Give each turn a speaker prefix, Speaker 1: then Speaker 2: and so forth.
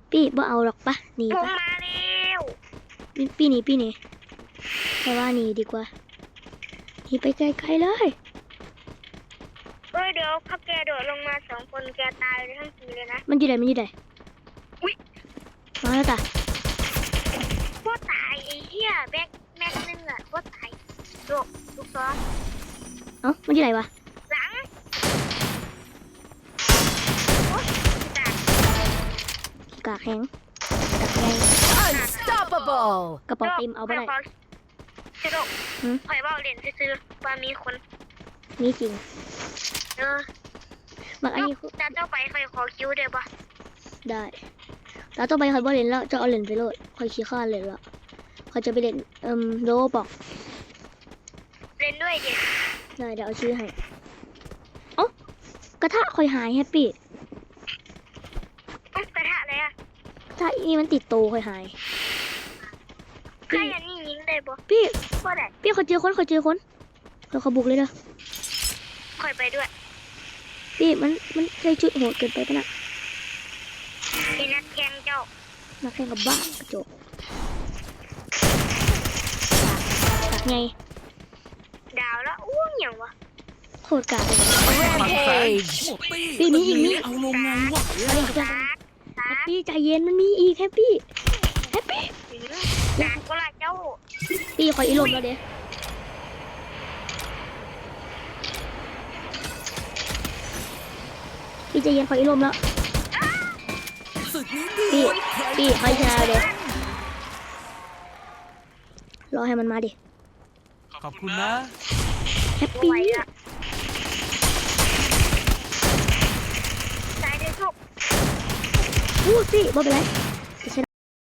Speaker 1: พี่บ่เอาหรอกปะหนี
Speaker 2: ผม
Speaker 1: ปะ
Speaker 2: มาแล้ว
Speaker 1: พี่หนีแต่ว่าหนีดีกว่าหนีไปไกลๆเลย
Speaker 2: เดี๋ยวถ้าแกโดดลงมา2 คนแกตายทั้งทีเลยนะ
Speaker 1: มันอยู่ไหน
Speaker 2: อุ๊ย
Speaker 1: มาแล้วจ้ะ
Speaker 2: พวกตายไอ้เหี้ยแม็กนึงอะพวกตายโดดลูกซ้อม
Speaker 1: เอ้ามันอยู่ไหนวะ
Speaker 2: หลังโอ๊ยตาย
Speaker 1: กากแห้งกากไง
Speaker 3: Unstoppable!
Speaker 1: กระเป๋าเต็มเอาไปได้
Speaker 2: ชิโร่
Speaker 1: หืม
Speaker 2: ข่อยเบาเล่นซื้อๆว่ามีคน
Speaker 1: มีจริง
Speaker 2: เออ
Speaker 1: บักอันนี้
Speaker 2: จะเจ้าไปข่อยขอคิวเดี๋ยวปะ
Speaker 1: ได้แล้วต่อไปคอยบ่เล่นแล้วจะเอาเล่นไปโลดคอยขี้ข้านเล่นแล้วคอยจะไปเล่นโดบอก
Speaker 2: เล่นด้วยดิ
Speaker 1: ได้เดี๋ยวเอาชื่อให้เอ้ากระทะคอยหายแฮปปี้
Speaker 2: กระทะอะไรอะ
Speaker 1: ถ้าอีมันติดโตคอยหาย
Speaker 2: ใครอันนี้ยิงได้ปะ
Speaker 1: พี่
Speaker 2: ก็ได้
Speaker 1: พี่เขาเจอคนคอยบุกเลยเด้อ
Speaker 2: ข่อยไปด้วย
Speaker 1: พี่มันใช้ชุดโหดเกินไปปะน่ะ
Speaker 2: มีนักแข่งเจ้า
Speaker 1: นักแข่งกับบ้ากระจกกากไง
Speaker 2: ดาวแล้วอู้เหนียววะ
Speaker 1: โคตรกากเลย
Speaker 3: Rampage!
Speaker 1: พี่มีอีกนี่
Speaker 4: เอาลงไงวะ
Speaker 2: ตา
Speaker 1: แฮปปี้ใจเย็นมันมีอีกแฮปปี้
Speaker 2: ตาก็ละเจ้า
Speaker 1: พี่คอยอีลมแล้วเด้พี่ใจเย็นคอยอีลมแล้ว
Speaker 4: ศึกนี้
Speaker 1: พี่คอยชนะเด้รอให้มันมาดิ
Speaker 4: ขอบคุณนะ
Speaker 1: แฮป
Speaker 2: ไหว
Speaker 1: ปี้
Speaker 2: ละตายได้ทุก
Speaker 1: พูดสิบ่เป็นไร